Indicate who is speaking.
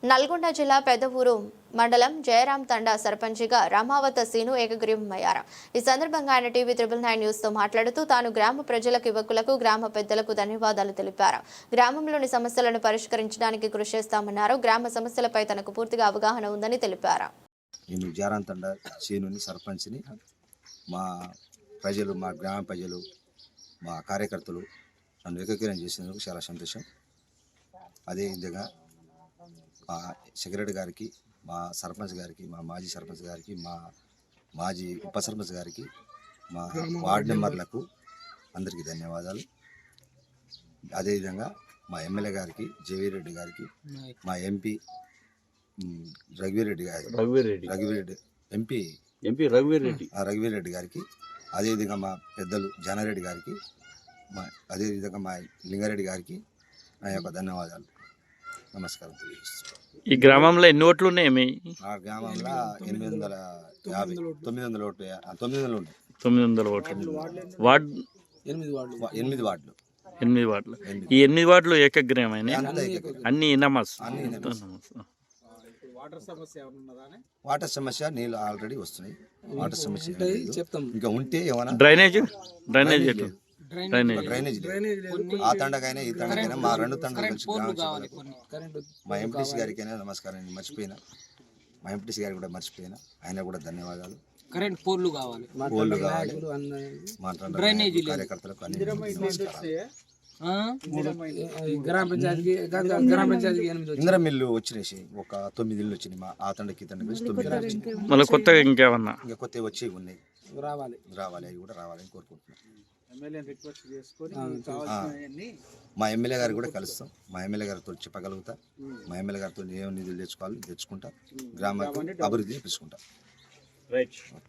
Speaker 1: నల్గొండ జిల్లా పెద్దవూరు మండలం జయరాం తండా సర్పంచిగా రామావత సీను ఏకగ్రీవమయ్యారు. ఈ సందర్భంగా ఆయన టీవీ 999 న్యూస్ తో మాట్లాడుతూ తాను గ్రామ ప్రజలకు, యువకులకు, గ్రామ పెద్దలకు ధన్యవాదాలు తెలిపారు. గ్రామంలోని సమస్యలను పరిష్కరించడానికి కృషి చేస్తామన్నారు. గ్రామ సమస్యలపై తనకు పూర్తిగా అవగాహన ఉందని తెలిపారు.
Speaker 2: నేను జయరాం తండా సీనుని సర్పంచ్ని. మా ప్రజలు, మా గ్రామ ప్రజలు, మా కార్యకర్తలు నన్ను ఏకీకరణ చేసినందుకు చాలా సంతోషం. అదేవిధంగా మా సెక్రటరీ గారికి, మా సర్పంచ్ గారికి, మా మాజీ సర్పంచ్ గారికి, మా మాజీ ఉప సర్పంచ్ గారికి, మా వార్డు మెంబర్లకు అందరికీ ధన్యవాదాలు. అదేవిధంగా మా ఎమ్మెల్యే గారికి, జేవీరెడ్డి గారికి, మా ఎంపీ రఘువీరెడ్డి రఘువీరెడ్డి గారికి, అదేవిధంగా మా పెద్దలు జానారెడ్డి గారికి, అదేవిధంగా మా లింగారెడ్డి గారికి నా యొక్క ధన్యవాదాలు, నమస్కారం తెలియజేస్తున్నాను.
Speaker 3: ఈ గ్రామంలో ఎన్ని ఓట్లు ఉన్నాయి?
Speaker 2: ఆ గ్రామంలో 900 ఓట్లు
Speaker 3: 900 ఓట్లు. వార్డు
Speaker 2: 8 వార్డులు.
Speaker 3: 8 వార్డులు. ఈ 8 వార్డులు ఏకగ్రీవమైన అన్ని నమాజ్.
Speaker 2: వాటర్ సమస్య నీళ్ళు ఆల్రెడీ వస్తున్నాయి. వాటర్ సమస్య ఇంకా ఉంటే ఏమైనా
Speaker 3: డ్రైనేజ్
Speaker 2: ఆ తండకైనా ఈ తండకైనా మా 2 తండలు కలిసి మా ఎంపీటీసీ గారికైనా నమస్కారం. మర్చిపోయినా, మా ఎంపీటీసీ గారికి కూడా మర్చిపోయినా, ఆయన కూడా ధన్యవాదాలు.
Speaker 4: కరెంట్ పోల్లు కావాలి,
Speaker 2: మా కార్యకర్తలకు అన్ని ఇందిరా మిల్లు వచ్చినాయి. ఒక 9 ఇళ్ళు వచ్చినాయి. మా ఆ తండకి ఈ తండకి 9 వచ్చినాయి.
Speaker 3: మళ్ళీ కొత్తగా ఇంకేమన్నా
Speaker 2: ఇంకా కొత్తవి వచ్చి ఉన్నాయి, రావాలి. అవి కూడా రావాలని కోరుకుంటున్నాం. మా ఎమ్మెల్యే గారు కూడా కలుస్తాం. మా ఎమ్మెల్యే గారితో చెప్పగలుగుతా. మా ఎమ్మెల్యే గారితో ఏం నిధులు తెచ్చుకుంటా, గ్రామ అభివృద్ధిని పెంచుకుంటా.